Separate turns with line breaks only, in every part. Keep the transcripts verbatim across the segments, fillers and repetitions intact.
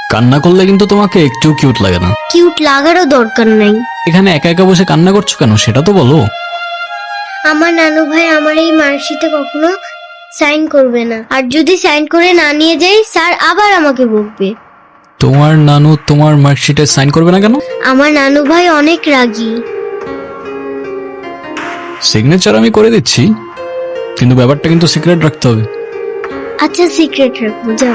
কান্না করলে কিন্তু তোমাকে একটু কিউট লাগে না।
কিউট লাগারও দরকার নাই।
এখানে একা একা বসে কান্না করছো কেন সেটা তো বলো।
আমার নানু ভাই আমার এই মার্কশিটে কখনো সাইন করবে না, আর যদি সাইন করে না নিয়ে যাই স্যার আবার আমাকে বকবে।
তোমার নানু তোমার মার্কশিটে সাইন করবে না কেন?
আমার নানু ভাই অনেক রাগী।
সিগনেচার আমি করে দিচ্ছি, কিন্তু ব্যাপারটা কিন্তু সিক্রেট রাখতে হবে।
আচ্ছা সিক্রেট রাখবো, যাও।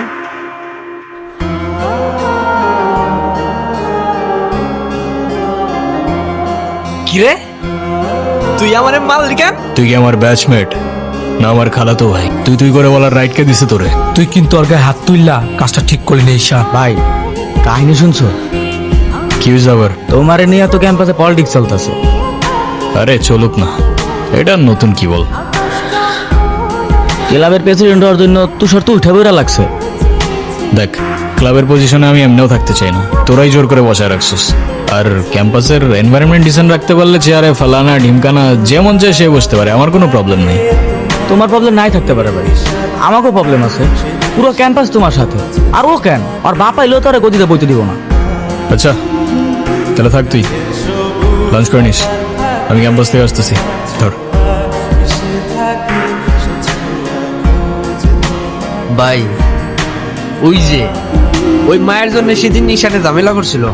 কিরে তুই আমার মারলি কেন?
তুই কি আমার ব্যাচমেট না আমার খালাতো ভাই? তুই তুই করে বলার রাইট কে দিছে তোরে?
তুই কিন্তু ওর গায়ে হাত তুললা, কাজটা ঠিক করলি না ঈশান।
ভাই কাহিনী শুনছো?
কি হয়েছে আবার?
তোমারে নিয়ে তো ক্যাম্পাসে পলিটিক্স চলতেছে।
আরে চলুক না, এটা নতুন কি বল?
ক্লাবের প্রেসিডেন্ট হওয়ার জন্য তুষার তো উঠে বেড়া লাগছে।
দেখ, ক্লাবের পজিশনে আমি এমনিও থাকতে চাই না, তোরাই জোর করে বসায় রাখছিস। আর ক্যাম্পাসের এনভায়রনমেন্ট ডিসেন্ট রাখতে পারলে চেয়ারে ফালানা ঢিমকানা যেমন চায় সে বসতে পারে, আমার কোনো প্রবলেম নেই।
তোমার প্রবলেম নাই থাকতে পারে ভাই, আমাকেও প্রবলেম আছে। পুরো ক্যাম্পাস তোমার সাথে, আর ও কেন আর বাপ আইলেও তো আর গদিতে বইতে দিব না।
আচ্ছা তাহলে থাক, তুই লাঞ্চ করে নিস, আমি ক্যাম্পাস থেকে আসতেছি। ধর।
ভাই ওই যে ওই মায়ের জন্য সেদিন নিশানে ঝামেলা করছিল।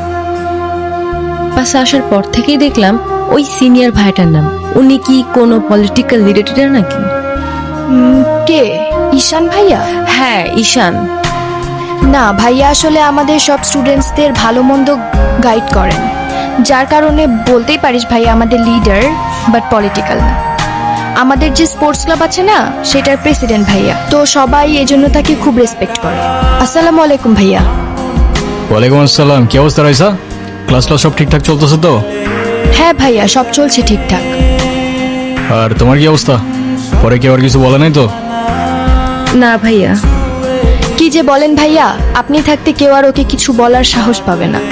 পাশে আসার পর থেকেই দেখলাম ওই সিনিয়র ভাইটার নাম। উনি কি কোনো পলিটিক্যাল রিলেটেড নাকি?
কে? ঈশান ভাইয়া?
হ্যাঁ ঈশান।
না ভাইয়া আসলে আমাদের সব স্টুডেন্টসদের ভালো মন্দ গাইড করেন, যার কারণে বলতেই পারিস ভাইয়া আমাদের লিডার, বাট পলিটিক্যাল না। আমাদের যে স্পোর্টস ক্লাব আছে না, সেটার প্রেসিডেন্ট ভাইয়া, তো সবাই এজন্য তাকে খুব রেসপেক্ট করে। আসসালামু আলাইকুম ভাইয়া।
ওয়ালাইকুম আসসালাম। কি অবস্থা রাইসা? ক্লাস ক্লাস সব ঠিকঠাক চলতেছে তো?
হ্যাঁ ভাইয়া, সব চলছে ঠিকঠাক।
আর তোমার কি অবস্থা? পরে কেউ আর কিছু বলে নাই তো?
না ভাইয়া।
কি যে বলেন ভাইয়া, আপনি থাকতে কেউ আর ওকে কিছু বলার সাহস পাবে না।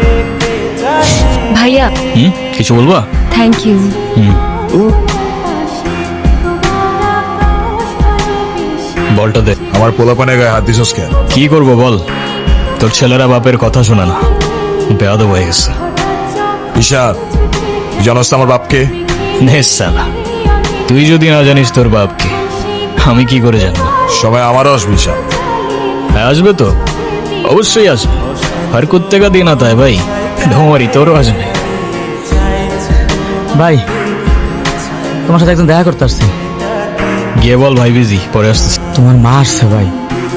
ভাইয়া
হুম, কিছু বলবা?
Thank you.
হুম, বলটা দে।
আমার পোলাপানের গায়ে হাত দিছস কেন?
কি করবো বল, তোর ছেলেরা বাপের কথা শোনে না, বেয়াদব হয়ে গেছে।
ঈশান, জানোস তো আমার বাপকে?
নেস সালা, তুই যদি না জানিস তোর বাপকে, আমি কি করে জানবো?
সময় আমারও আসবে ঈশান।
হ্যাঁ আসবে তো, অবশ্যই আসবে। হর কুত্তে কা দিন আতা হ্যায় ভাই, ঢোমারি তোরও আসবে।
ভাই তোমার সাথে একজন দেখা করতে আসছি।
গিয়ে বল ভাই বিজি, পরে আসতেছি।
তোমার মা আসছে ভাই।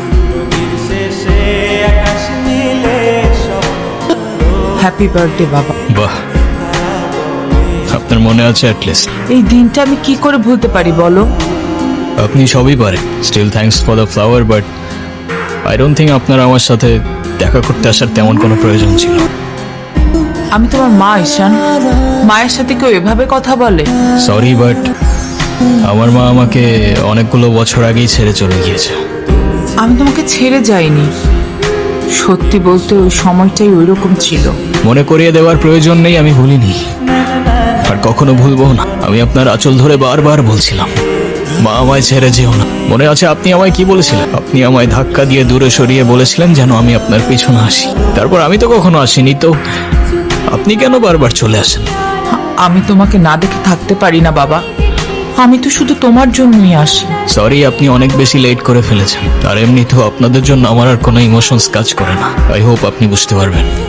হ্যাপি বার্থডে বাবা।
বাহ, আপনার মনে আছে অ্যাটলিস্ট।
এই দিনটা আমি কি করে ভুলতে পারি বলো?
আপনি সবই পারেন। Still thanks for the flower, but I don't think আপনার আমার সাথে দেখা করতে আসার তেমন কোনো প্রয়োজন ছিল।
আমি তোমার মা ঈশান, মায়ের সাথে কেউ এভাবে কথা বলে?
সরি, বাট আমার মা আমাকে অনেকগুলো বছর আগেই ছেড়ে চলে গিয়েছে।
আমি তোমাকে ছেড়ে যাইনি, সত্যি বলতে ওই সময়টাই ওই রকম ছিল।
মনে করিয়ে দেওয়ার প্রয়োজন নেই, আমি ভুলিনি আর কখনো ভুলবো না। আমি আপনার আঁচল ধরে বারবার বলছিলাম, মা আমায় ছেড়ে যেও না। মনে আছে আপনি আমায় কি বলেছিলেন? আপনি আমায় ধাক্কা দিয়ে দূরে সরিয়ে বলেছিলেন যেন আমি আপনার পেছনে আসি। তারপর আমি তো কখনো আসিনি, তো আপনি কেন বারবার চলে আসেন?
আমি তোমাকে না দেখে থাকতে পারি না বাবা, আমি তো শুধু তোমার জন্যই আসি।
সরি, আপনি অনেক বেশি লেট করে ফেলেছেন। আর এমনিতেও আপনাদের জন্য আমার আর কোনো ইমোশনস কাজ করে না। আই হোপ আপনি বুঝতে পারবেন।